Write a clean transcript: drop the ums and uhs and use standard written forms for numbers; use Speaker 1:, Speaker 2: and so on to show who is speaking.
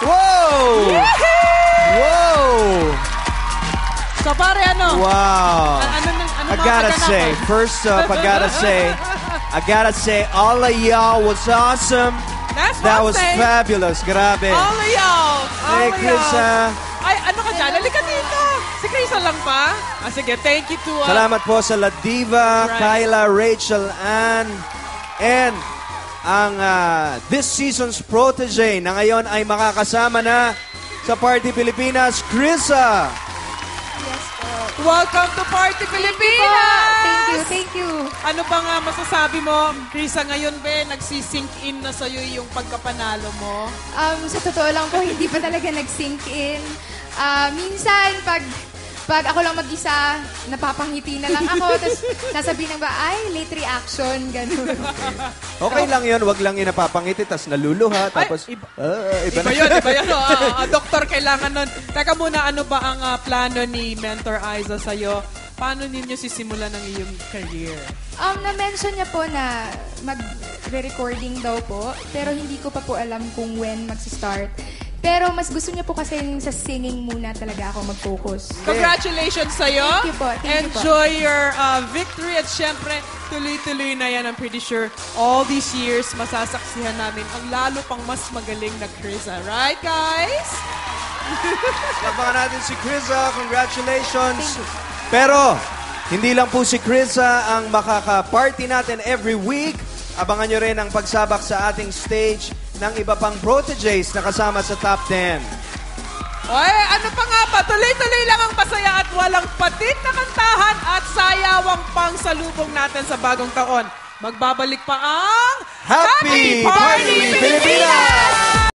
Speaker 1: Whoa! Whoa!
Speaker 2: So pare, ano?
Speaker 1: Wow.
Speaker 2: Ano
Speaker 1: I gotta say, first up, I gotta say, all of y'all was awesome. That was fabulous. Grabe.
Speaker 2: All of y'all.
Speaker 1: Hey, Krisa.
Speaker 2: Ay, ano ka dyan? Halika dito. Si Krisa lang pa? Sige, thank you to...
Speaker 1: Salamat po sa La Diva, Kyla, Rachel, Ann, and ang this season's protege na ngayon ay makakasama na sa Party Pilipinas, Krisa.
Speaker 3: Yes po.
Speaker 2: Welcome to Party Pilipinas!
Speaker 3: Thank you.
Speaker 2: Ano ba nga masasabi mo, Krisa, ngayon ba nagsisink in na sa'yo yung pagkapanalo mo?
Speaker 3: Sa totoo lang po, hindi pa talaga nag-sink in. Minsan, pag ako lang mag-isa, napapangiti na lang ako. Tapos sasabihin ng ba, ay, late reaction, gano'n.
Speaker 1: Okay lang yun, wag lang yung napapangiti, tapos naluluha, tapos...
Speaker 2: Iba
Speaker 1: na.
Speaker 2: yun. Doktor, kailangan nun. Teka muna, ano ba ang plano ni Mentor Aiza sa'yo? Paano ninyo sisimulan ang iyong career?
Speaker 3: Na-mention niya po na mag-recording daw po, pero hindi ko pa po alam kung when mag-start. Pero mas gusto niya po kasi sa singing muna talaga ako mag-focus.
Speaker 2: Congratulations sa'yo.
Speaker 3: Thank you po.
Speaker 2: Enjoy your victory. At syempre, tuloy-tuloy na yan. I'm pretty sure all these years, masasaksihan namin ang lalo pang mas magaling na Krisa. Right, guys?
Speaker 1: Labangan natin si Krisa. Congratulations. Pero, hindi lang po si Krisa ang makaka-party natin every week. Abangan nyo rin ang pagsabak sa ating stage ng iba pang proteges na kasama sa Top 10.
Speaker 2: Oy, ano pa nga ba? Tuloy-tuloy lang ang masaya at walang patit na kantahan at sayawang pang salubong natin sa bagong taon. Magbabalik pa ang
Speaker 1: Happy Party Pilipinas!